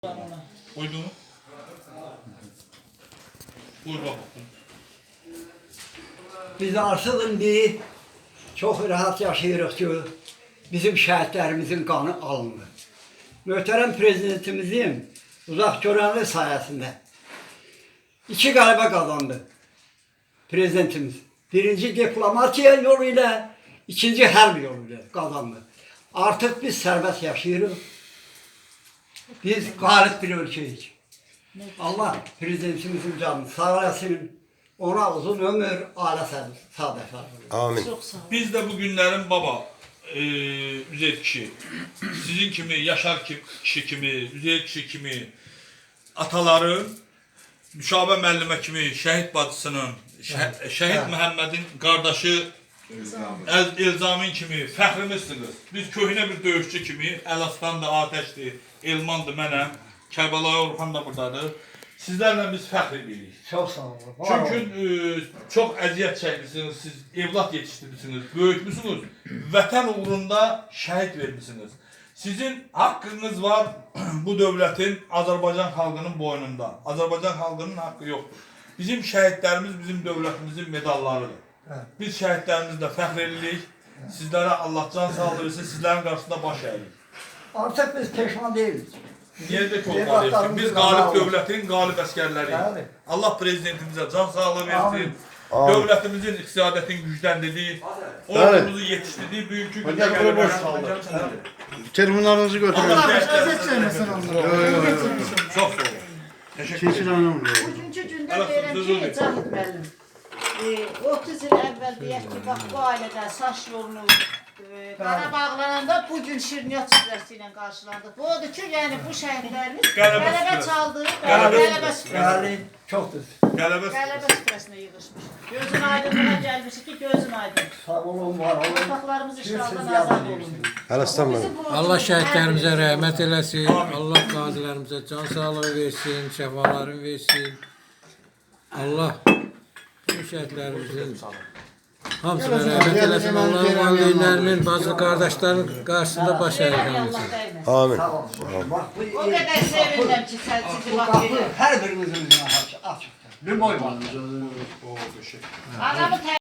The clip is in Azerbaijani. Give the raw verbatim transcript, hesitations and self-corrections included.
Uydu mu? Buyur bakalım. Biz artıq indi çox rahat yaşayırıq ki, bizim şəhidlərimizin qanı alındı. Möhtərəm prezidentimizin uzaq görənli sayəsində iki qələbə qazandı prezidentimiz. Birinci diplomatiya yolu ilə, ikinci hərb yolu ilə qazandı. Artıq biz sərbəst yaşayırıq. Biz qalib bir ölkəyik. Allah prezidentimizin canını sağ eləsin. Ona uzun ömür, ailə sağlığı. Amin. Biz de bu günlerin baba, e, Üzeyir kişi, sizin kimi, Yaşar kişi kimi, Üzeyir kişi kimi, ataların, Nüşabə müəllimə kimi, şəhid bacısının, şəhid, şəhid Məhəmmədin qardaşı, El, Elzamin kimi fəxrimizsiniz. Biz köhnə bir döyüşçü kimi, Əlaslan da Atəşdir, Elmandır mənəm, Kərbəlayi Orxan da buradadır. Sizlərlə biz fəxr edirik. Çox sağ olun. Çünki e, çox əziyyət çəkmişsiniz, siz evlat yetişdirmişsiniz, böyütmüşsünüz, vətən uğrunda şəhid vermişsiniz. Sizin haqqınız var bu dövlətin, Azərbaycan xalqının boynunda. Azərbaycan xalqının haqqı yoxdur. Bizim şəhidlərimiz bizim dövlətimizin medallarıdır. Biz şəhidlərimizlə fəxr edirik. Sizlərə Allah can sağlığı versin, sizlərin qarşısında baş əyirik. Artıq biz peşman deyilik. Yerdə olmalıyıq. Biz qalib dövlətin qalib əskərləriyik. Allah prezidentimizə can sağlığı versin. Dövlətimizin iqtisadiyyatını gücləndirdiyi, ordumuzu yetişdirdiyi bugünkü gündə qələbələr saldı. Telefonlarınızı götürün. Çox sağ olun. Teşekkür ederim. Bugünkü gündə deyirəm ki, Cahid müəllim, otuz il əvvəl deyək ki, bax bu ailədə saç yolunu qara bağlananda bugün şirniyyat süfrəsi ilə qarşılandıq. Bu odur ki, yəni bu şəhidlərimiz qələbə çaldı, qələbə süfrəsi. Çoxdur. Qələbə Qələbə süfrəsinə yığışmış. Gözün aydınlığına gəlmişik ki, gözün aydın. Sağ olun, var olun. Torpaqlarımız işğaldan azad olun. Hələstan mənim. Allah şəhidlərimizə rəhmət eləsin, Allah qazilərimizə can sağlığı versin, şəfalarını versin. Allah bu şəhidlərimizin hamısına rəhmət eləsin, Allah'ın valideynlərinin, bazı qardaşlarının qarşısında baş əyilsin. Amin. Sağ olun. Bax, bu O qədər sevinirəm ki, sən sizi bu bax qapı verir. hər birimizin üzünə açıqdır. Bir boy var. Adamı